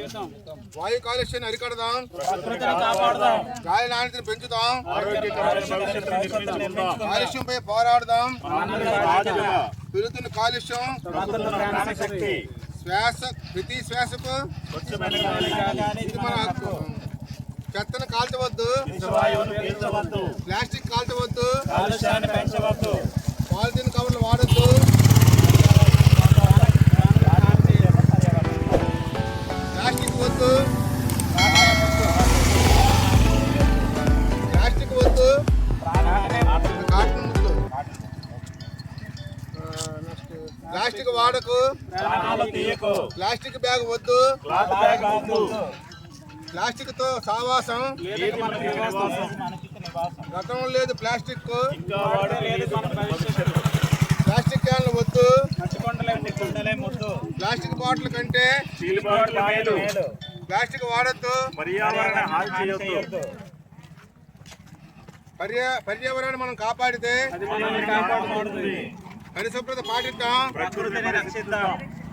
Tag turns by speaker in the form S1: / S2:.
S1: వాయు కాలుష్యాన్ని అరికడదాం, గాలి నాణ్యతను పెంచుదాం, కాలుష్యంపై పోరాడదాం. పెరుగుతున్న కాలుష్యం ప్రతి శ్వాసకు ఇది మన హక్కు. చెత్తను కాల్చవద్దు, ప్లాస్టిక్ కాల్చవద్దు, పాలిథిన్ కవర్లు వాడద్దు, ప్లాస్టిక్ వద్దు, కాటన్ వద్దు, ప్లాస్టిక్ వాడకు, ప్లాస్టిక్ బ్యాగ్ వద్దు, ప్లాస్టిక్ తో సావాసం గతం లేదు. ప్లాస్టిక్ క్యాన్లు వద్దు, ప్లాస్టిక్ బాటిల్ కంటే ప్లాస్టిక్ వాడద్దు, పర్యావరణాన్ని మనం కాపాడితే పరిశుభ్రత పాటిద్దాం.